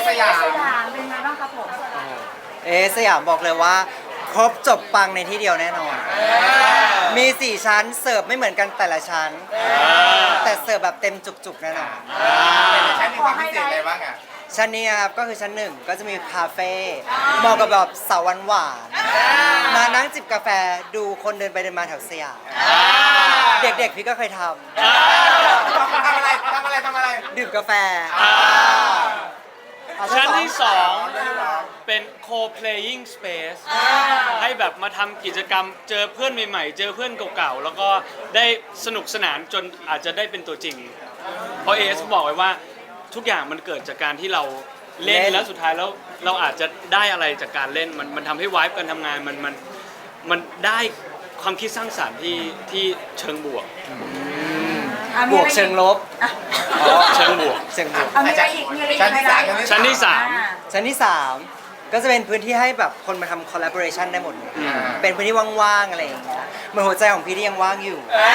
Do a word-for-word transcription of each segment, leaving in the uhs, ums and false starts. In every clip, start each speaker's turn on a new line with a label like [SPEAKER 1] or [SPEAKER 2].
[SPEAKER 1] สยาม
[SPEAKER 2] สยามเป็นไงบ้างครับผม
[SPEAKER 3] เอสยามบอกเลยว่า ครบจบปังในที่เดียวแน่นอน มีสี่ชั้นเสิร์ฟไม่เหมือนกันแต่ละชั้น แต่เสิร์ฟแบบเต็มจุกๆแน่นอน
[SPEAKER 1] ชั้นมีความพิเศษอะไรบ้างอ่ะ
[SPEAKER 3] ชั้นนี้ครับก็คือชั้นหนึ่งก็จะมีคาเฟ่เหมาะกับแบบสาวหวานๆมานั่งจิบกาแฟดูคนเดินไปเดินมาแถวสยามเด็กๆพี่ก็เคยท
[SPEAKER 1] ทำอะไรทำอะไรทำอะไร
[SPEAKER 3] ำดื่มกาแฟ
[SPEAKER 4] ชั้นที่สอง
[SPEAKER 1] ชั้นที่สอง
[SPEAKER 4] เป็น co-playing space ให้แบบมาทำกิจกรรมเจอเพื่อนใหม่ๆ เจอเพื่อนเก่าๆ แล้วก็ได้สนุกสนานจนอาจจะได้เป็นตัวจริง เพราะเอสบอกไว้ว่าทุกอย่างมันเกิดจากการที่เราเล่น
[SPEAKER 3] เล่น
[SPEAKER 4] แล้วสุดท้ายแล้วเราอาจจะได้อะไรจากการเล่นมันมันทำให้วายการทำงานมันมันมันได้ความคิดสร้างสรรค์ที่ที่เชิงบวก
[SPEAKER 2] อ่ะ
[SPEAKER 3] บ
[SPEAKER 2] มี
[SPEAKER 3] ว
[SPEAKER 2] อะ
[SPEAKER 3] ก
[SPEAKER 2] ไร
[SPEAKER 3] เชิงลบ
[SPEAKER 4] เชิงบวก
[SPEAKER 3] เชิงบวก
[SPEAKER 2] เอามีอะไรอีกมีอะไรอีก
[SPEAKER 1] ชั้นที่สาม
[SPEAKER 4] ชั้นที่สาม
[SPEAKER 2] อ่
[SPEAKER 3] ชั้นที่สามก็จะเป็นพื้นที่ให้แบบคนมาทำ collaboration ได้หมดเลย
[SPEAKER 4] อืม
[SPEAKER 3] เป็นพื้นที่ว่างๆอะไรอย่างเงี้ยเหมือนหัวใจของพี่ที่ยังว่างอยู่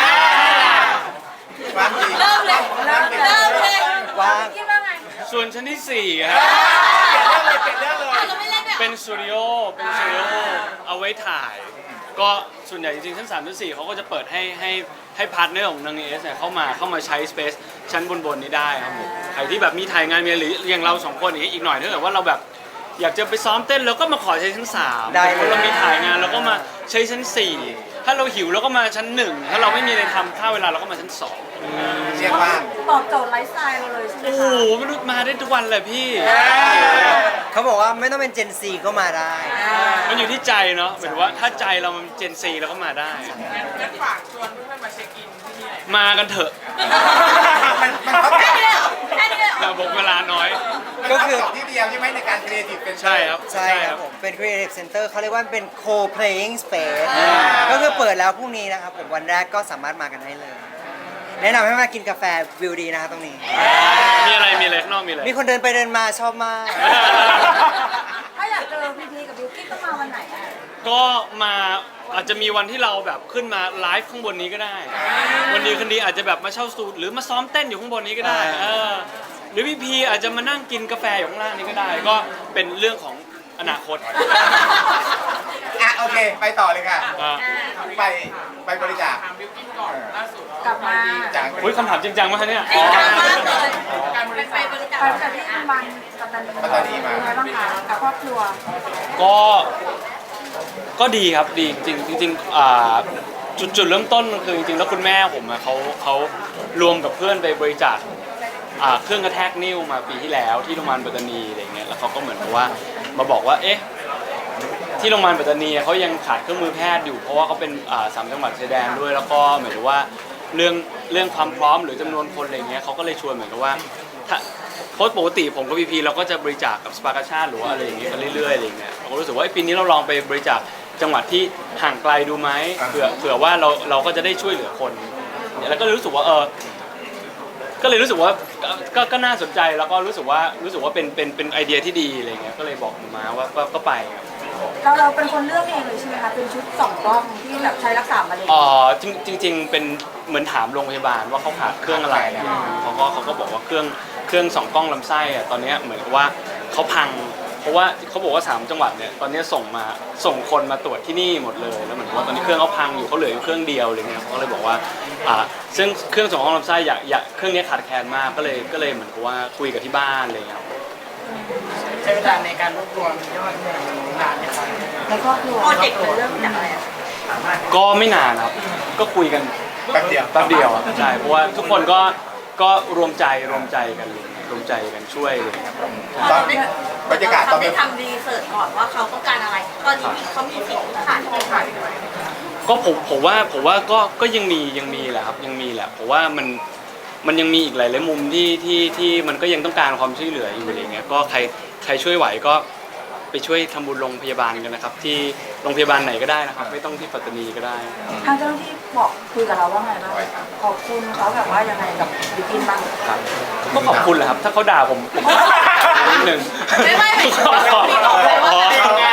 [SPEAKER 1] ว่างจริง
[SPEAKER 2] เริ่มเลยเริ่มเลยเริ่มเลย
[SPEAKER 3] ว่าง
[SPEAKER 2] คิดว่าไง
[SPEAKER 4] ส่วนชั้นที่สี่ครับ
[SPEAKER 1] เปลี่ยนเรื่องเลยเปลี่ยนเรื่องเลย
[SPEAKER 2] เราไม่เล่นด้วย
[SPEAKER 4] เป็นสตูดิโอ เป็นสตูดิโอเอาไว้ถ่าย ก็ส่วนใหญ่จริงๆชั้นสามชั้นสี่เขาก็จะเปิดให้ให้ให้พาร์ทเนอร์ของนางเอสเนี่ยเข้ามาเข้ามาใช้สเปซชั้นบนๆนี้ได้ครับผม ใครที่แบบมีถ่ายงานมีหรืออย่างเราสองคนอย่างนี้อีกหน่อยถ้าเกิดว่าเราแบบอยากจะไปซ้อมเต้นเราก็มาขอใช้ชั้นสาม
[SPEAKER 3] ได้เลย
[SPEAKER 4] เรามีถ่ายงานเราก็มาใช้ชั้นสี่ถ้าเราหิวเราก็มาชั้นหนึ่งถ้าเราไม่มีอะไรทำถ้าเวลาเราก็มาชั้นสอง
[SPEAKER 1] เรียกว่า
[SPEAKER 2] ตอบโจทย์ไลฟ์สไตล์เราเลยใช่ไหม
[SPEAKER 4] โอ้
[SPEAKER 2] คะ
[SPEAKER 4] โหไม่รู้มาได้ทุกวันเลยพี่
[SPEAKER 3] เขาบอกว่าไม่ต้องเป็น Gen Z ก็มาได้
[SPEAKER 4] มันอยู่ที่ใจเนาะหมายถึงว่าถ้าใจเรามันเจนซีเราก็มาได้
[SPEAKER 5] งั้นฝากชวนเพื่อนๆมาเช็คอินที่นี่หน่อย
[SPEAKER 4] มากันเถอะ
[SPEAKER 1] มันมันเขา
[SPEAKER 2] แค่นี้เลยเหรอแค่นี้เลยเหร
[SPEAKER 4] แต่
[SPEAKER 2] อ
[SPEAKER 4] บอกเวลาน้อย
[SPEAKER 3] ก็คือ
[SPEAKER 1] มันที่เดียวใช่ไหมในการครีเอทีฟเป็น
[SPEAKER 4] ใช่ครับ
[SPEAKER 3] ใช่ครับผม เป็น Creative Center เขาเรียกว่าเป็น co-playing space ก็คือเปิดแล้วพรุ่งนี้นะครับผมวันแรกก็สามารถมากันได้เลย แนะนำให้มากินกาแฟวิวดีนะครับตรงนี้
[SPEAKER 4] มีอะไรมีอะไรข้างนอกมีอะไร
[SPEAKER 3] มีคนเดินไปเดินมาชอบมาก
[SPEAKER 2] ถ้าอยากเจอพีพีกับบิวกิ้นต้องมาวันไหนอ่ะ
[SPEAKER 4] ก็มาอาจจะมีวันที่เราแบบขึ้นมาไลฟ์ข้างบนนี้ก็ได้ วันนี้คืนนี้อาจจะแบบมาเช่าสตูดหรือมาซ้อมเต้นอยู่ข้างบนนี้ก็ได้เออหรือพี่พีอาจจะมานั่งกินกาแฟอยู่ข้างล่างนี้ก็ได้ ก็เป็นเรื่องของอนาคต
[SPEAKER 1] อ่ะโอเค ไปต่อเลยค่ะ
[SPEAKER 4] อ่า
[SPEAKER 1] ไปไปบริจาค
[SPEAKER 5] ถามบิวกิ้นก่อนล่าสุด
[SPEAKER 2] กลับมา
[SPEAKER 1] จาก
[SPEAKER 4] อุ้ยคำถามจริงจังมากเนี่ย
[SPEAKER 2] จริงจังมากเลย
[SPEAKER 5] การบริจาค
[SPEAKER 2] ไปจากที่โรงพยาบาลปัตตานี
[SPEAKER 1] ปัตตานีมา
[SPEAKER 2] เป็นไงบ้างคะกับครอบครัว
[SPEAKER 4] ก็ก็ดีครับดีจริงจริงๆอ่าจุดจุดเริ่มต้นมันคือจริงๆแล้วคุณแม่ผมอะเขาเขารวมกับเพื่อนไปบริจาคอ่าเครื่องกระแทกนิ้วมาปีที่แล้วที่โรงพยาบาลปัตตานีอะไรเงี้ยแล้วเขาก็เหมือนกับว่ามาบอกว่าเอ๊ะที่โรงพยาบาลปัตตานีเขายังขาดเครื่องมือแพทย์อยู่เพราะว่าเขาเป็นอ่าสามจังหวัดชายแดนด้วยแล้วก็หมายถึงว่าเรื่องเรื่องความพร้อมหรือจำนวนคนอะไรเงี้ยเขาก็เลยชวนเหมือนกับว่าถ้าเพราะปกติผมกับพีพีเราก็จะบริจาคกับสปากาชาติหรือว่าอะไรอย่างเงี้ยกันเรื่อยๆอะไรเงี้ยเราก็รู้สึกว่าปีนี้เราลองไปบริจาคจังหวัดที่ห่างไกลดูไหมเผื่อเผื่อว่าเราเราก็จะได้ช่วยเหลือคนแล้วก็เลยรู้สึกว่าเออก็เลยรู้สึกว่าก็ก็ก็น่าสนใจแล้วก็รู้สึกว่ารู้สึกว่าเป็นเป็นเป็นไอเดียที่ดีอะไรเงี้ยก็เลยบอกมาว่าก็ก็ไปครับ
[SPEAKER 2] เราเราเป็นคนเลือกเองเลยใช่ไหมคะ เป็นชุดสองกล้องที่แบบใช้รักษามะเร็ง
[SPEAKER 4] อ๋อจริงจริงๆเป็นเหมือนถามโรงพยาบาลว่าเขาขาดเครื่องอะไรเขาก็เขาก็บอกว่าเครื่องเครื่องสองกล้องลำไส้อะตอนเนี้ยเหมือนกับว่าเขาพัง เพราะว่าเขาบอกว่าสามจังหวัดเนี่ยตอนนี้ส่งมาส่งคนมาตรวจที่นี่หมดเลยแล้วเหมือนกับว่าตอนนี้เครื่องเขาพังอยู่เขาเหลืออยู่เครื่องเดียวอะไรเงี้ยเขาก็เลยบอกว่าอ่าซึ่งเครื่องสองกล้องลำไส้อยากอยากเครื่องนี้ขาดแคลนมากก็เลยก็เลยเหมือนกับว่าคุยกับที่บ้านอะไรเงี้ยครับ
[SPEAKER 5] ใช้เวลาในการรวบรวมยอดเงินนานไหมครับ
[SPEAKER 2] ในครอบครัวโปรเจกต์มันเริ่มจากอะไรอะ
[SPEAKER 4] ก็ไม่นานครับก็คุยกัน
[SPEAKER 1] แป๊บเดียว
[SPEAKER 4] แป๊บเดียวอะใช่เพราะว่าทุกคนก็ก็รวมใจรวมใจกันเลยรวมใจกันช่วยเลยครับ
[SPEAKER 1] ตอนบรรยากาศตอน
[SPEAKER 6] ได้
[SPEAKER 1] เป็น
[SPEAKER 6] ทำรีเสิร์ชก่อนว่าเขาต้องการอะไร ตอนนี้มีเขามีสิ่งที่ขาดที่ขาดอยู่
[SPEAKER 4] ก็ผมผมว่าผมว่าก็ก็ยังมียังมีแหละครับยังมีแหละเพราะว่ามันมันยังมีอีกหลายหลายมุมที่ที่ที่มันก็ยังต้องการความช่วยเหลืออยู่อะไรเงี้ยก็ใครใครช่วยไหวก็ไปช่วยทำบุญโรงพยาบาลกันนะครับ ที่โรงพยาบาลไหนก็ได้นะครับ ไม่ต้องที่ปัตตานีก็ได้
[SPEAKER 2] ทางเจ้าหน้าที่บอกคุยกับเราว่าไงบ้างขอบคุณเขาแบบว่ายังไงกับบิวกิ้นบ้าง
[SPEAKER 4] ครับก็ขอบคุณแหละครับ ถ้าเขาด่าผมผมนิดนึง
[SPEAKER 6] ไม่ไม่ไม่
[SPEAKER 4] ขอขอ
[SPEAKER 6] ไม่บอกเลยว่า
[SPEAKER 4] อ๋อ
[SPEAKER 6] เป็นยังไง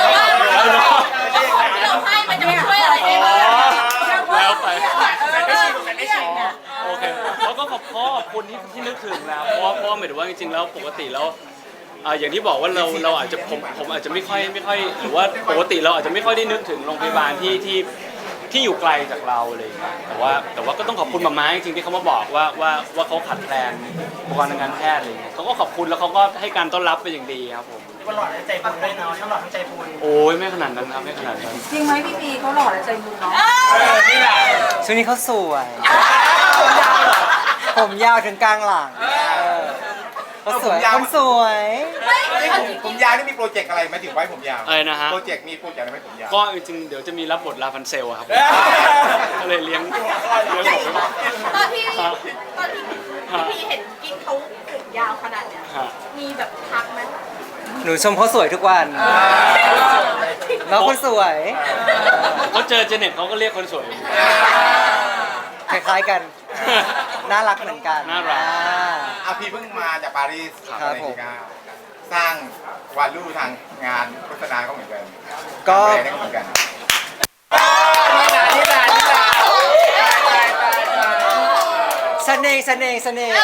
[SPEAKER 6] ที่เราให้มันจะไม่ช่วยอะไรได้บ้าง
[SPEAKER 4] แล้วไป
[SPEAKER 2] ไม่ชิงเนี่ย
[SPEAKER 4] โอเคแล้วก็ขอบขอบคุณที่ที่นึกถึงแล้วเพราะว่าเพราะว่าหมายถึงว่าจริงๆแล้วปกติแล้วอ่าอย่างที่บอกว่าเราเราอาจจะผมผมอาจจะไม่ค่อยไม่ค่อยหรือว่าปกติเราอาจจะไม่ค่อยได้นึกถึงโรงพยาบาลที่ที่ที่อยู่ไกลจากเราอะไรอย่างเงี้ยแต่ว่าแต่ว่าก็ต้องขอบคุณมาม่าจริงๆที่เขามาบอกว่าว่าว่าเขาขาดแคลนอุปกรณ์ทางการแพทย์อะไรอย่างเงี้ยเขาก็ขอบคุณแล้วเขาก็ให้การต้อนรับเป็นอย่างดีครับผม
[SPEAKER 5] ว่าหล่อและใจบุญด้วยเนาะทั้งหล่อทั้งใจบุญ
[SPEAKER 4] โอ้ยไม่ขนาดนั้นครับไม่ขนาดนั้น
[SPEAKER 2] จริงไหมพี่ปีเขาหล่อและใจบุญเนาะ
[SPEAKER 5] นี่แหละ
[SPEAKER 3] ช่วงนี้เขาสวย ผมยาวถึงกลางหลังเออเขาสวยคนสวย
[SPEAKER 1] นี่ผมผมยาวนี่มีโปรเจกต์อะไรไหมถึงไว้ผมยาว
[SPEAKER 4] อะไรนะฮะ
[SPEAKER 1] โปรเจกต์มีโปรเจกต์อะไรไหมผมยาว
[SPEAKER 4] ก็จริงๆเดี๋ยวจะมีรับบทลาพันเซลอะครับก็เลยเลี้ยงเลี้ยงผมไว้ก่อน
[SPEAKER 6] ตอนที่ตอนที่พี่พีเห็นกินเขาผมยาวขนาดเนี้ย
[SPEAKER 4] ฮะ
[SPEAKER 6] มีแบบทักไหม
[SPEAKER 3] หนูชมเขาสวยทุกวันน้องคนสวย
[SPEAKER 4] เขาเจอเจเน็ตเขาก็เรียกคนสวย
[SPEAKER 3] คล้ายๆกัน น่ารักเหมือนกัน
[SPEAKER 4] น่ารัก
[SPEAKER 3] อ่า
[SPEAKER 1] อาพี่เพิ่งมาจากปารีส
[SPEAKER 3] ครับ
[SPEAKER 1] อเม
[SPEAKER 3] ผม
[SPEAKER 1] ริกาสร้างวาลูทางงานโฆษณาเขาเหมือนกัน
[SPEAKER 3] ก็
[SPEAKER 1] แบรนด์เขาเหมือนกัน
[SPEAKER 3] เสน่ห์เสน่ห์เสน่ห์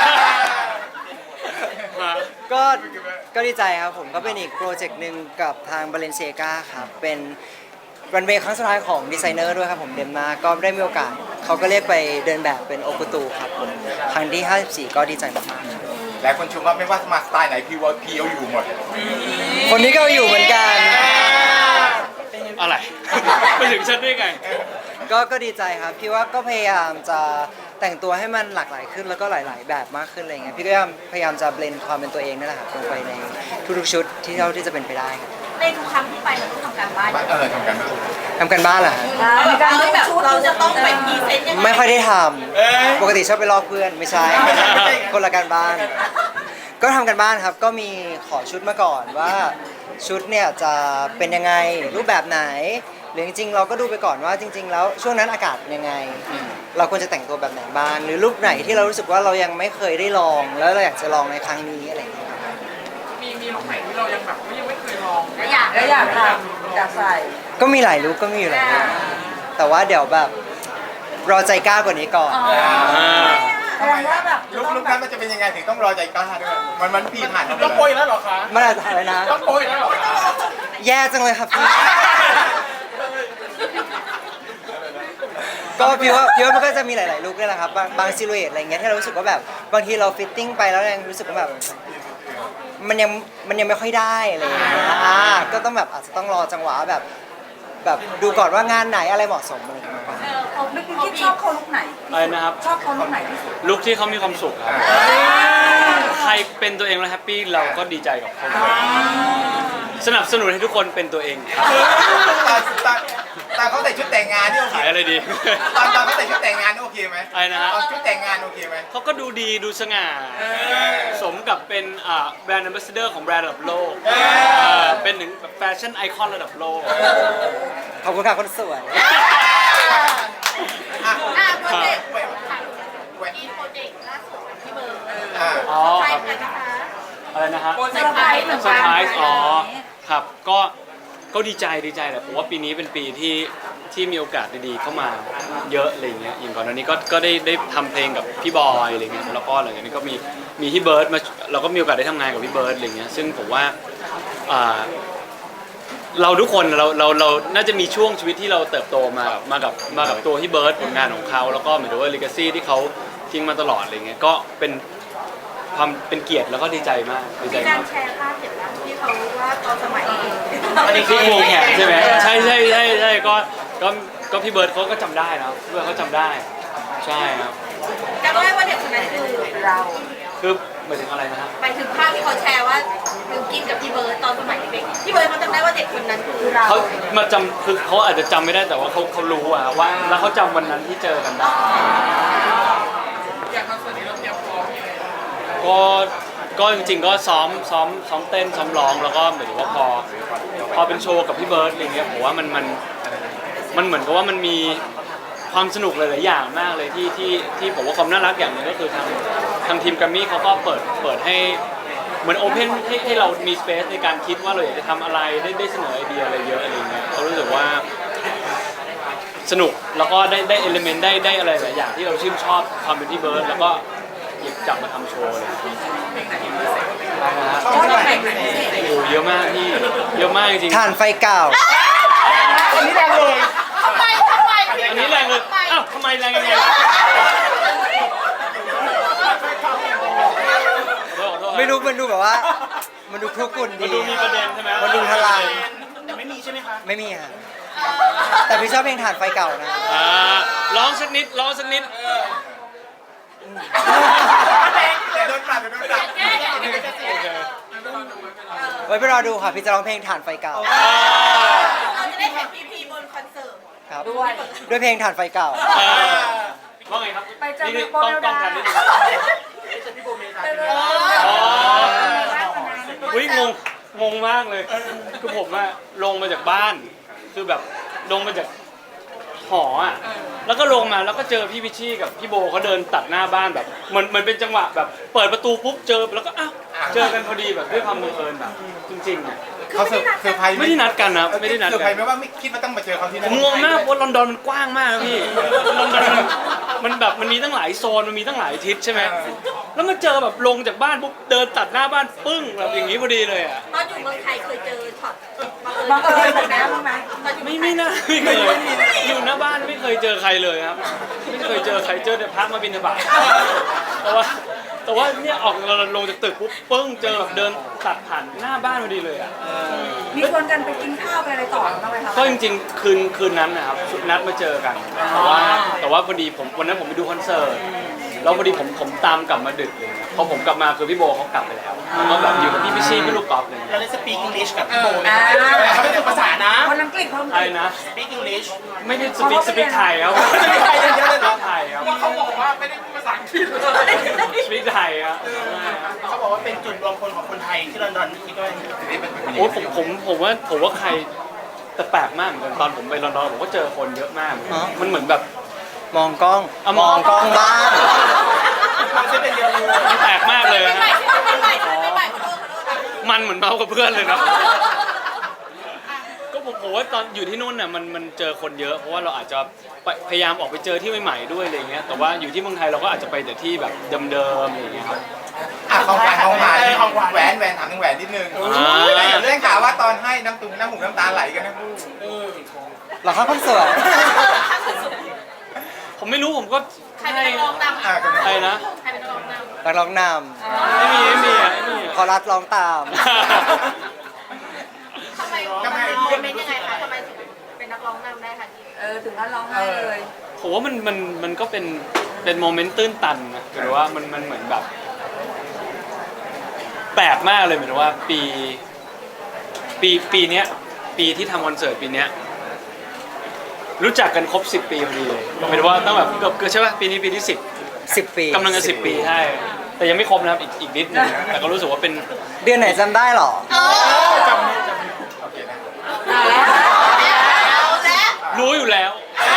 [SPEAKER 3] ก็ก็ดีใจครับผมก็เป็นอีกโปรเจกต์หนึ่งกับทาง Balenciaga ครับเป็นรันเวย์ครั้งสุดท้ายของดีไซเนอร์ด้วยครับผมเดนมาร์กก็ได้มีโอกาสเขาก็เรียกไปเดินแบบเป็นโอกุตูครับผมครั้งที่ห้าสิบสี่ก็ดีใจมากๆครับ
[SPEAKER 1] หลายคนชมว่าไม่ว่ามาสไตล์ไหนพี่ว่าพี่เอาอยู่หมด
[SPEAKER 3] คนนี้ก็อยู่เหมือนกัน
[SPEAKER 4] อะไรไปถึงฉันได้ไง
[SPEAKER 3] ก็ก็ดีใจครับพี่ว่าก็พยายามจะแต่งตัวให้มันหลากหลายขึ้นแล้วก็หลาย ๆ แบบมากขึ้นอะไรเงี้ยพี่ก็พยายามพยายามจะเบลนความเป็นตัวเองนั่นแหละครับลงไปในทุกๆชุดที่เท่าที่จะเป็นไปได้ครับ
[SPEAKER 6] ในทุกครั้งที่ไปเราต้องทำการบ้าน
[SPEAKER 1] เออทำกันบ้าง
[SPEAKER 3] ทำกันบ้านเหรอฮะ
[SPEAKER 2] ในการ
[SPEAKER 6] เรา
[SPEAKER 2] เลือก
[SPEAKER 6] แบบ
[SPEAKER 2] ชุด
[SPEAKER 6] เราจะต้องไปพรีเซนต์ยังไง
[SPEAKER 3] ไม่ค่อยได้ทำปกติชอบไปลอกเพื่อนไม่ใช่ คนละการบ้าน ก็ทำกันบ้านครับก็มีขอชุดมาก่อนว่าชุดเนี่ยจะเป็นยังไงรูปแบบไหนหรือจริงๆ เราก็ดูไปก่อนว่าจริง ๆ แล้วช่วงนั้นอากาศเป็นยังไง เราควรจะแต่งตัวแบบไหนบ้างหรือรูปไหนที่เรารู้สึกว่าเรายังไม่เคยได้ลอง แล้วเราอยากจะลองในครั้งนี้อะไรอย่างเงี้ยครับ
[SPEAKER 5] มีมีลุคไหนที่เรายังแบบยังไม่เคยลอง
[SPEAKER 6] และอยาก
[SPEAKER 2] แล้วอยากทำอยากใส่
[SPEAKER 3] ก็มีหลายลุคก็มีอยู่หลายลุคแต่ว่าเดี๋ยวแบบรอใจกล้ากว่านี้ก่อน
[SPEAKER 2] แสดงว่าแบบ
[SPEAKER 1] ลุกลุกนั้นมันจะเป็นยังไงถึงต้องรอใจกล้าด้วยมันมันพี่ผ่านมาหมด
[SPEAKER 5] ต้อง
[SPEAKER 1] เล
[SPEAKER 5] โปรย
[SPEAKER 1] ย
[SPEAKER 5] แล้วเหรอคะ
[SPEAKER 3] มันอาจจะอะไรนะ
[SPEAKER 5] ต้องโปรยแล้วเหรอคะ
[SPEAKER 3] แย่จังเลยครับพี่ ก็พี่ว่าพี่ว่ามันก็จะมีหลาย ๆ ลุคนี่แหละครับบางบางซิลูเอตอะไรเงี้ยที่เรารู้สึกว่าแบบบางทีเราฟิตติ้งไปแล้วยังรู้สึกว่าแบบมันยังมันยังไม่ค่อยได้อะไรอย่างเงี้ยอ่าก็ต้องแบบอาจจะต้องรอจังหวะแบบแบบดูก่อนว่างานไหนอะไรเหมาะสมอะไรอย่างเงี้ย
[SPEAKER 6] เออเขา
[SPEAKER 2] ไม่คิดชอบเขาลุกไหน
[SPEAKER 4] อะไรนะครับ
[SPEAKER 2] ชอบเขาลุกไหนที่สุด
[SPEAKER 4] ลุคที่เขามีความสุขครับ ใครเป็นตัวเองแล้วแฮปปี้เราก็ดีใจกับเขาสนับสนุนให้ทุกคนเป็นตัวเองครับ
[SPEAKER 1] ตอนตอนตอนเขาใส่ชุดแต่งงานนี่โอเค
[SPEAKER 4] ขายอะไรดี
[SPEAKER 1] ตอนตอนเขาใส่ชุดแต่งงานนี่โอเคไหม
[SPEAKER 4] อะไรนะฮะ
[SPEAKER 1] ตอนชุดแต่งงานโอเคไหม
[SPEAKER 4] เขาก็ดูดีดูสง่า สมกับเป็นอ่าแบรนด์ a อ b บ s สเดอร์ของแบรนด์ระดับโลกเออเป็นถึงแบบแฟชั่นไอคอนระดับโลก
[SPEAKER 3] ขอบคุณค่ะคนสวย
[SPEAKER 1] อ่ะ
[SPEAKER 6] อ่าโปรเจกต์
[SPEAKER 1] เว้ยเว้ย
[SPEAKER 6] อีโปรเจกต์ล่าสุดของพี่เบิร์ด
[SPEAKER 1] อ่ะ
[SPEAKER 4] อ๋อ
[SPEAKER 6] ใช่
[SPEAKER 4] ครับ
[SPEAKER 6] ไหมคะ
[SPEAKER 4] อะไรนะฮะ
[SPEAKER 2] เซอร์ไพรส์เหมือน
[SPEAKER 4] เซอ
[SPEAKER 2] กั
[SPEAKER 4] ร์
[SPEAKER 2] น
[SPEAKER 4] ไพรส์อ๋อ ครับ ก็ ก็ดีใจดีใจแหละผมว่าปีนี้เป็นปีที่ที่มีโอกาสดีๆเข้ามาเยอะอะไรเงี้ยอย่างก่อนหน้านี้ก็ก็ได้ได้ทำเพลงกับพี่บอยอะไรเงี้ยแล้วก็หลังจากนี้ก็มีมีพี่เบิร์ดมาเราก็มีโอกาสได้ทำงานกับพี่เบิร์ดอะไรเงี้ยซึ่งผมว่าอ่าเราทุกคนเราเราเราน่าจะมีช่วงชีวิตที่เราเติบโตมากับมากับมากับตัวพี่เบิร์ดผลงานของเขาแล้วก็เหมือนกับว่าลีกาซี่ที่เขาทิ้งมาตลอดอะไรเงี้ยก็เป็นความเป็นเกียรติแล้วก็ดีใจมากดีใจ
[SPEAKER 6] มีการ
[SPEAKER 4] มาก
[SPEAKER 6] แชร์ภาพเห็นแล้วที่เขาว่าตอนสมัย
[SPEAKER 4] อันนี้คือวงแขนใช่ไหมใช่ใช่ใช่ใช่ก็ก็ก็พี่เบิร์ดเขาก็จำได้นะพี่เบิร์ดเขาจำได้ใช่ครับ
[SPEAKER 6] จำได้ว่าเด็กคนนั้นคือ
[SPEAKER 2] เรา
[SPEAKER 4] คือหมายถึงอะไรนะฮะ
[SPEAKER 6] ไปถึงภาพที่เขาแชร์ว่าคือกินกับพี่เบิร์ดตอนสมัยเด็กๆพี่เบิร์ดเขาจำได้ว่าเด็กคนนั้นคือเรา
[SPEAKER 4] เขามาจำคือเขาอาจจะจำไม่ได้แต่ว่าเขาเขารู้อะว่าแล้วเขาจำวันนั้นที่เจอกันได้
[SPEAKER 5] อย่างคอนเสิร์ตนี้เราเตรียมพร้อมยังไง
[SPEAKER 4] ก็ก็จริงๆก็ซ้อมซ้อมซ้อมเต้นซ้อมร้องแล้วก็หมายถึงว่าพอพอเป็นโชว์กับพี่เบิร์ดอะไรเงี้ยผมว่ามันมันมันเหมือนกับว่ามันมีความสนุกหลายๆอย่างมากเลยที่ที่ที่ผมว่าความน่ารักอย่างหนึงก็คือทางทางทีมแกรมมี่เขาก็เปิดเปิดให้เหมือนโอเพนให้ให้เรามีสเปซในการคิดว่าเราอยากจะทำอะไรได้ได้เสนอไอเดียอะไรเยอะอะไรเงี้ยเขารู้สึกว่าสนุกแล้วก็ได้ได้เอลิเมนต์ได้ได้อะไรหลายอย่างที่เราชื่นชอบความเป็นพี่เบิร์ดแล้วก็หยิบจับมาทำโชว์เลย
[SPEAKER 2] ชอบเพลงไหนพิเศษ
[SPEAKER 4] โอ้โหเยอะมากพี่เยอะมากจริงๆ
[SPEAKER 3] ถ่านไฟเก่า
[SPEAKER 1] อันนี้แรงเลย
[SPEAKER 6] ทำไมทำไม
[SPEAKER 4] อันนี้แรงเลยอ้าวทำไมแรงยังไงขอโทษขอโทษ
[SPEAKER 3] ไม่รู้มันดูแบบว่า มันดูคลุกกลุ่น
[SPEAKER 4] มัน
[SPEAKER 3] ดี
[SPEAKER 4] ดูมีประเด็นใช่ไหม
[SPEAKER 3] มันดูทลาย
[SPEAKER 5] แต่ไม่มีใช่ไหมคะ
[SPEAKER 3] ไม่มีค่ะแต่พี่ชอบเพลงถ่านไฟเก่านะ
[SPEAKER 4] อ่าร้องสักนิดร้องสักนิด
[SPEAKER 1] เดี๋ยวโดนปรับเดี๋ยวโดนปรับ
[SPEAKER 4] โอเค
[SPEAKER 3] ไว้ไปรอดูค่ะพี่จะร้องเพลงถ่านไฟเก่า
[SPEAKER 4] อ่า
[SPEAKER 6] เราจะได้เห็นพีพีบนคอนเสิร์ต
[SPEAKER 3] ครับด้วยเพลงถ่านไฟเก่า
[SPEAKER 4] อ่าว่าไงครับ
[SPEAKER 2] ไปเจอ
[SPEAKER 4] นี่
[SPEAKER 2] โบ
[SPEAKER 4] ต้อง
[SPEAKER 2] เมล
[SPEAKER 4] ต้อง
[SPEAKER 2] ดา
[SPEAKER 4] การนิดนึง
[SPEAKER 2] ไปเลย
[SPEAKER 4] อ๋ออุ้ยงงงงมากเลย คือผมอะลงมาจากบ้าน คือแบบลงมาจากหออะแล้วก็ลงมาแล้วก็เจอพี่พิชชี่กับพี่โบเขาเดินตัดหน้าบ้านแบบเหมือนเหมือนเป็นจังหวะแบบเปิดประตูปุ๊บเจอแล้วก็อ้าวเจอกันพอดีแบบด้วยความบังเอิญแบบ จริงๆอะ
[SPEAKER 1] เขาเซอร์เซอร์ไพรส์ห
[SPEAKER 4] ไม่ได้นัดกันนะไม่ได้นัด
[SPEAKER 1] เซอร์
[SPEAKER 4] กั
[SPEAKER 1] ไพร
[SPEAKER 4] น
[SPEAKER 1] ส์ไหมว่าไม่คิดว่าต้องมาเจอเขาที่
[SPEAKER 4] ผ
[SPEAKER 1] นั่น
[SPEAKER 4] มงงมากเพราะลอนดอนมันกว้างมากนะพี่ลอนดอนมันมันแบบมันมีตั้งหลายโซนมันมีตั้งหลายทิศใช่ไหมแล้วมาเจอแบบลงจากบ้านปุ๊บเดินตัดหน้าบ้านปึ้งแบบอย่างนี้พอดีเลยอ่ะ
[SPEAKER 6] ตอนอยู่เมืองไทยเคยเจอช็อต
[SPEAKER 2] บังเอิญแบบนี้บ้างไหม
[SPEAKER 6] ตอนอยู่เมื
[SPEAKER 4] ไม่
[SPEAKER 6] องไท
[SPEAKER 4] ไม่
[SPEAKER 6] ย
[SPEAKER 4] น่าไม่เคยอยู่หน้าบ้านไม่เคยเจอใครเลยครับไม่เคยเจอใครเจอแต่พระมาบิณฑบาตแต่ว่าแต่ว่าเนี่ยออกเราลงจากตึกปุ๊บปึ้งเจอแบบเดินตัดผ่านหน้าบ้านพอดีเลยอ่ะ
[SPEAKER 2] มีชวนกันไปกินข้าวไปอะไรต่อบ้างไหมคะ
[SPEAKER 4] ก็จริงๆคืนคืนนั้นนะครับนัดมาเจอกันแต่ว่าแต่ว่าพอดีผมวันนั้นผมไปดูคอนเสิร์ตแล้วพอดีผมผมตามกลับมาดึกเลยนะพอผมกลับมาคือพี่โบเขากลับไปแล้วแล้วก็แบบอยู่กับพี่พิชชี่พี่ลูกกอล์ฟเลย
[SPEAKER 5] เราได้สปีกอังกฤษกับพี่โบไหม
[SPEAKER 2] อ่า
[SPEAKER 5] เขาไม่ฝึกภาษานะ
[SPEAKER 2] คนอังกฤษเพิ่ม
[SPEAKER 4] อะไรนะ
[SPEAKER 5] สปีกอังกฤษ
[SPEAKER 4] ไม่ได้สปีกสปีกไทยครับ
[SPEAKER 5] สปีกไทยอย่างเดียวเลยเหรอ
[SPEAKER 4] ไทยครับ
[SPEAKER 5] เขาบอกว่าไม่ได้พูดภาษาอังกฤษ
[SPEAKER 4] สปีกไทยครับ
[SPEAKER 5] เขาบอกว่าเป็นจุดรวมพลของคนไทยที่ลอนดอนคิดว่า
[SPEAKER 4] โอ้ผมผมผมว่าผมว่าใครแต่แปลกมากเหมือนกันตอนผมไปลอนดอนผมก็เจอคนเยอะมากเหมือนกัน
[SPEAKER 3] อ๋อ
[SPEAKER 4] มันเหมือนแบบ
[SPEAKER 3] มองกล้อง
[SPEAKER 4] อ่ะ
[SPEAKER 3] มองกล้องบ้าน
[SPEAKER 5] มันจะเป็นเดียวเลย
[SPEAKER 4] มันแปลกมากเลย
[SPEAKER 6] ไม่
[SPEAKER 4] ฮะ
[SPEAKER 6] ใหม่ไม่ใหม่ไม่ใหม่ขอโทษขอโทษนะ
[SPEAKER 4] มันเหมือนเมากับเพื่อนเลยเนาะก็ผมผมว่าตอนอยู่ที่นู่นน่ะมันมันเจอคนเยอะเพราะว่าเราอาจจะไปพยายามออกไปเจอที่ใหม่ๆด้วยอะไรเงี้ยแต่ว่าอยู่ที่เมืองไทยเราก็อาจจะไปแต่ที่แบบเดิมๆอะไรเงี้ยครับ
[SPEAKER 1] อ่ะของหวานของหวานแหวนแหวนถามถึงแหวนนิดนึง
[SPEAKER 4] อ่า
[SPEAKER 1] เรื่องข่าวว่าตอนให้น้ำตุงน้ำหูน้ำตาไหลกันทั้งคู่
[SPEAKER 3] เหรอครับคนสวย
[SPEAKER 4] ผมไม่รู้ผมก็
[SPEAKER 6] ใครเป็นนักร้องนำ
[SPEAKER 1] อ่ะกัน
[SPEAKER 4] ใครนะ
[SPEAKER 6] ใครเป็นนักร้องนำ
[SPEAKER 3] นักร้องน
[SPEAKER 4] ไม่มีไม่มีอ่ะไม่มี
[SPEAKER 3] ำ
[SPEAKER 4] อ่ะ
[SPEAKER 3] คอรัสร้องตาม
[SPEAKER 6] ทำไมทำไมโมเมนต์ยังไงคะทำไมถึงเป็นนักร้องนำได้คะที่
[SPEAKER 2] เออถึงขั้นร้องไห้เลย
[SPEAKER 4] ผมว่ามันมันมันก็เป็นเป็นโมเมนต์ตื้นตันนะหรือว่ามันมันเหมือนแบบ แปลกมากเลยเหมือนว่าปีปีปีเนี้ยปีที่ทำคอนเสิร์ตปีเนี้ยรู้จักกันครบสิบปีพอดีเลยหมายถึงว่าตั้งแบบเกือบเกือบใช่ป่ะปีนี้ปีที่สิบ
[SPEAKER 3] สิบปี
[SPEAKER 4] กำลังจะสิบปีใช่แต่ยังไม่ครบนะครับอีกอีกนิดนึงแต่ก็รู้สึกว่าเป็น
[SPEAKER 3] เดือนไหนจำได้เหรอ
[SPEAKER 1] โอเคนะ
[SPEAKER 2] อ่าแล้ว
[SPEAKER 6] เอาแล้ว
[SPEAKER 4] รู้อยู่แล้ว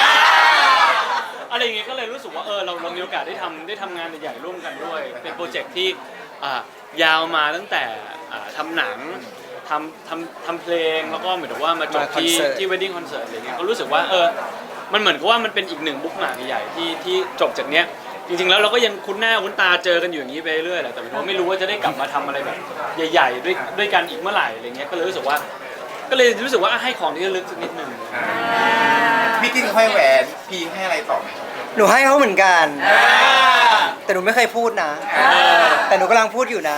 [SPEAKER 4] อะไรอย่างเงี้ยก็เลยรู้สึกว่าเออเราเรามีโอกาสได้ทำได้ทำงานใหญ่ๆร่วมกันด้วย เป็นโปรเจกต์ที่อ่ายาวมาตั้งแต่อ่าทำหนังทำทำทำเพลงแล้วก็เหมือนกับว่ามาจบ
[SPEAKER 3] มาคอน
[SPEAKER 4] ที่
[SPEAKER 3] เสิร์ต
[SPEAKER 4] ที่ wedding concert อะไรเงี้ยก็รู้สึกว่าเออมันเหมือนกับว่ามันเป็นอีกหนึ่งบุ๊กมาร์กใหญ่ๆที่ที่จบจากเนี้ยจริงๆแล้วเราก็ยังคุ้นหน้าคุ้นตาเจอกันอยู่อย่างนี้ไปเรื่อยๆแหละแต่หมายถึงว่าไม่รู้ว่าจะได้กลับมาทำอะไรแบบใหญ่ๆด้วยด้วยกันอีกเมื่อไหร่อะไรเงี้ยก็เลยรู้สึกว่า ก็เลยรู้สึกว่าให้ของที่ระลึกสักนิดหนึ่ง
[SPEAKER 1] พี่กินให้แหวนพีให้อะไรต่อไหม
[SPEAKER 3] หนูให้เขาเหมือนกัน แต่หนูไม่เคยพูดนะ แต่หนูกำลังพูดอยู่นะ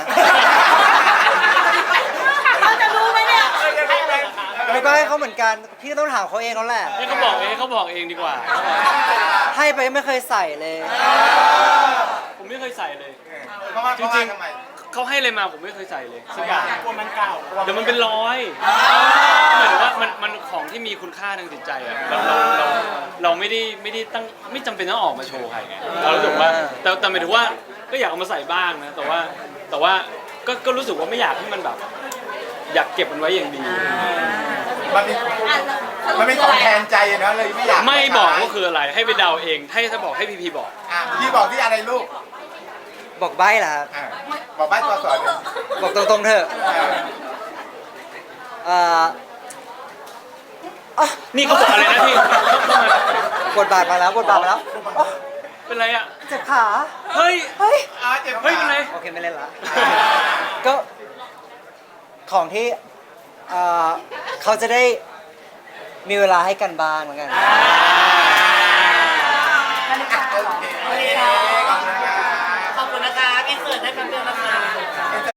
[SPEAKER 6] เขาจะรู้ไหมเนี่ย
[SPEAKER 3] หนูก็ให้เขาเหมือนกัน พี่ก็ต้องถามเขาเองเขาแหละ
[SPEAKER 4] ให้เขาบอกเองให้เขาบอกเองดีกว่า
[SPEAKER 3] ให้ไปไม่เคยใส่เลย
[SPEAKER 4] ผมไม่เคยใส่เลย
[SPEAKER 1] เพราะว่า
[SPEAKER 4] จริง
[SPEAKER 1] ทำไม
[SPEAKER 4] ๆเขาให้อะไรมาผมไม่เคยใส่เลยสักอย่าง
[SPEAKER 5] กลัวมันเก่า
[SPEAKER 4] เดี๋ยวมันเป็นร้อยหมายถึงว่ามันมันของที่มีคุณค่าทางจิตใจอะเราเราเราเราไม่ได้ไม่ได้ตั้งไม่จำเป็นต้องออกมาโชว์ใครไงเรารู้สึกว่าแต่แต่หมายถึงว่าก็อยากเอามาใส่บ้างนะแต่ว่าแต่ว่าก็ก็รู้สึกว่าไม่อยากให้มันแบบ อยากเก็บมันไว้อย่างดี
[SPEAKER 1] มันเป็น
[SPEAKER 6] อ่ะสรุป
[SPEAKER 1] มันเป็น
[SPEAKER 6] คือ
[SPEAKER 1] ขอ
[SPEAKER 6] อะ
[SPEAKER 1] ง
[SPEAKER 6] ไร
[SPEAKER 1] แทนใจอะเนาะเลยไม่อยาก
[SPEAKER 4] ไม่บอกว่าคืออะไรให้ไปเดาเองให้ถ้าบอกให้พีพีบอก
[SPEAKER 1] อ่ะพี่บอกที่อะไรลูก
[SPEAKER 3] บอกใบ้เหรอครับ
[SPEAKER 1] อ่ะบอกบ้านตัวสอนเลย
[SPEAKER 3] บอกตรงๆเถอะ
[SPEAKER 1] เออ
[SPEAKER 3] เอ่ออ่ะ
[SPEAKER 4] นี่เขาบอกอะไรนะพี่เข้ามา
[SPEAKER 3] บทบาทมาแล้วบทบาทมาแล้วอ๋อ
[SPEAKER 4] เป็นไรอ่ะ
[SPEAKER 3] เจ็บขา
[SPEAKER 4] เฮ้ย
[SPEAKER 3] เฮ้ย
[SPEAKER 1] อ่าเจ็บ
[SPEAKER 4] เฮ้ยเป็นไร
[SPEAKER 3] โอเคไม่เล่นละ ก็ของที่เอ่อเขาจะได้มีเวลาให้กันบ้างเหมือนกัน
[SPEAKER 2] นาฬิกาเหรอ
[SPEAKER 1] โอเค